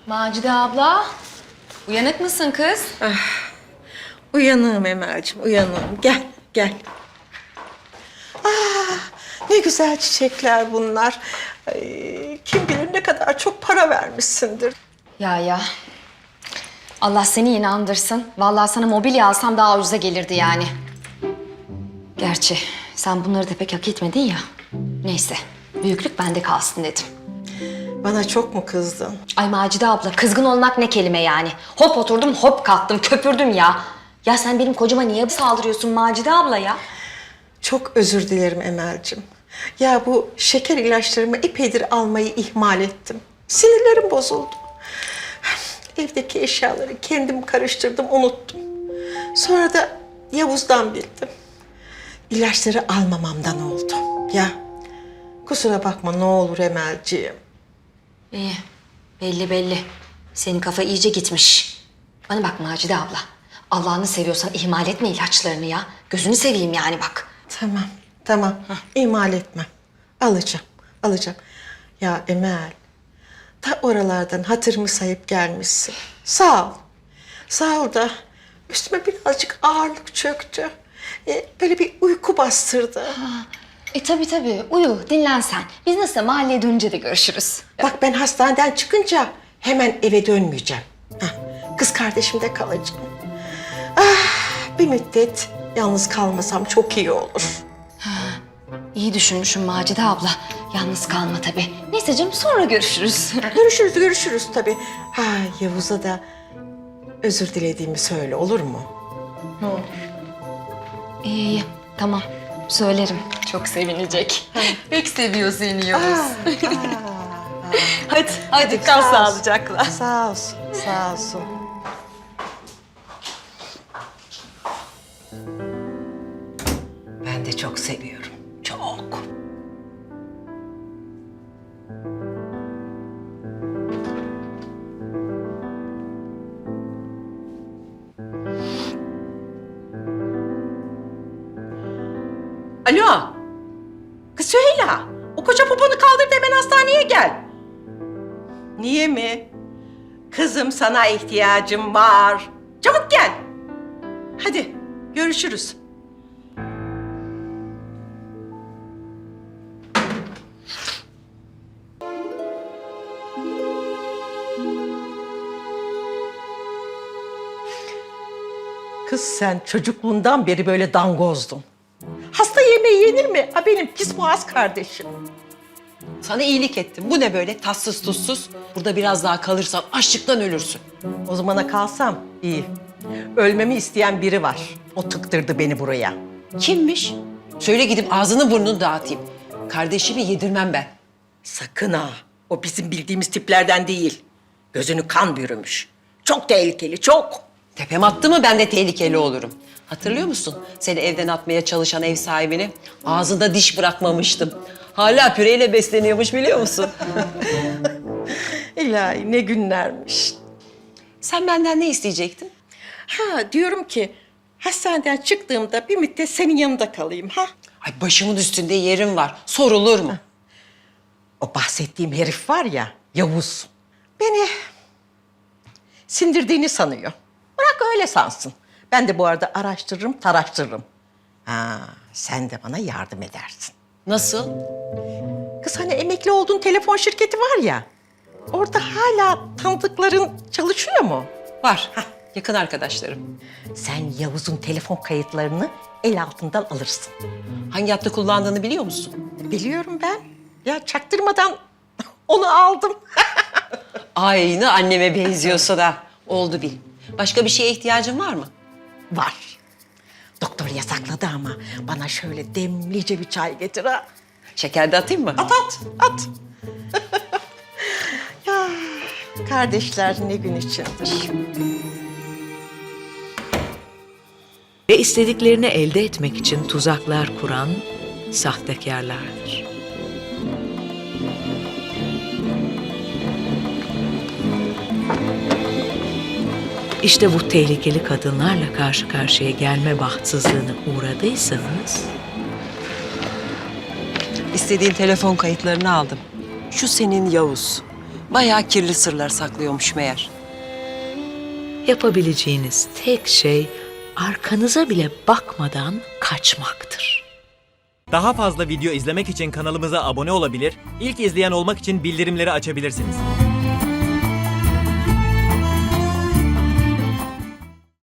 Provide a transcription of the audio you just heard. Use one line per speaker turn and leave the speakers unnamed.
Macide abla, uyanık mısın kız?
Uyanığım Emel'ciğim, uyanığım. Gel, gel. Ne güzel çiçekler bunlar. Ay, kim bilir ne kadar çok para vermişsindir.
Ya. Allah seni inandırsın. Vallahi sana mobilya alsam daha ucuza gelirdi yani. Gerçi sen bunları da pek hak etmedin ya. Neyse, büyüklük bende kalsın dedim.
Bana çok mu kızdın?
Ay Macide abla, kızgın olmak ne kelime yani? Hop oturdum, hop kalktım, köpürdüm ya. Ya sen benim kocama niye saldırıyorsun Macide abla ya?
Çok özür dilerim Emel'ciğim. Ya bu şeker ilaçlarımı epeydir almayı ihmal ettim. Sinirlerim bozuldu. Evdeki eşyaları kendim karıştırdım, unuttum. Sonra da Yavuz'dan bildim. İlaçları almamamdan oldu. Ya kusura bakma ne olur Emel'ciğim.
İyi, belli. Senin kafa iyice gitmiş. Bana bak Macide abla. Allah'ını seviyorsan ihmal etme ilaçlarını ya. Gözünü seveyim yani bak.
Tamam. İhmal etmem. Alacağım. Ya Emel, ta oralardan hatırımı sayıp gelmişsin. Sağ ol. Sağ ol da üstüme birazcık ağırlık çöktü. Böyle bir uyku bastırdı.
Tabii. Uyu, dinlen sen. Biz nasıl mahalleye dönünce de görüşürüz.
Bak ben hastaneden çıkınca hemen eve dönmeyeceğim. Kız kardeşimde kalacağım. Bir müddet yalnız kalmasam çok iyi olur.
İyi düşünmüşüm Macide abla. Yalnız kalma tabii. Neyse canım sonra görüşürüz.
Görüşürüz tabii. Yavuz'a da özür dilediğimi söyle, olur mu? Ne olur.
İyi, tamam. Söylerim. Çok sevinecek. Pek seviyor seni Yavuz. Hadi kal sağlıcakla.
Sağ olsun. Ben de çok seviyorum, çok. Alo. Kız Süheyla, o koca poponu kaldır da hemen hastaneye gel. Niye mi? Kızım sana ihtiyacım var. Çabuk gel. Hadi görüşürüz. Kız sen çocukluğundan beri böyle dangozdun. Hasta yemeği yenir mi? Benim pis boğaz kardeşim.
Sana iyilik ettim. Bu ne böyle tatsız tuzsuz? Burada biraz daha kalırsan açlıktan ölürsün.
O zamana kalsam iyi. Ölmemi isteyen biri var. O tıktırdı beni buraya.
Kimmiş? Söyle gidip ağzını burnunu dağıtayım. Kardeşimi yedirmem ben.
Sakın ha. O bizim bildiğimiz tiplerden değil. Gözünü kan bürümüş. Çok tehlikeli, çok.
Tepem attı mı ben de tehlikeli olurum. Hatırlıyor musun? Seni evden atmaya çalışan ev sahibini ağzında diş bırakmamıştım. Hala püreyle besleniyormuş biliyor musun?
İlahi ne günlermiş.
Sen benden ne isteyecektin?
Diyorum ki hastaneden çıktığımda bir müddet senin yanında kalayım ha.
Ay başımın üstünde yerim var. Sorulur mu?
O bahsettiğim herif var ya Yavuz. Beni sindirdiğini sanıyor. Bırak öyle sansın. Ben de bu arada araştırırım, taraştırırım. Sen de bana yardım edersin.
Nasıl?
Kız hani emekli olduğun telefon şirketi var ya. Orada hala tanıdıkların çalışıyor mu?
Var. Yakın arkadaşlarım.
Sen Yavuz'un telefon kayıtlarını el altından alırsın.
Hangi hattı kullandığını biliyor musun?
Biliyorum ben. Ya çaktırmadan onu aldım.
Aynı anneme benziyorsa da oldu bil. Başka bir şeye ihtiyacın var mı?
Var. Doktor yasakladı ama bana şöyle demlice bir çay getir ha.
Şeker de atayım mı?
At. Ya kardeşler ne gün içindir.
Ve istediklerini elde etmek için tuzaklar kuran sahtekarlardır. İşte bu tehlikeli kadınlarla karşı karşıya gelme bahtsızlığına uğradıysanız
İstediğin telefon kayıtlarını aldım. Şu senin Yavuz. bayağı kirli sırlar saklıyormuş meğer.
Yapabileceğiniz tek şey arkanıza bile bakmadan kaçmaktır.
Daha fazla video izlemek için kanalımıza abone olabilir, ilk izleyen olmak için bildirimleri açabilirsiniz.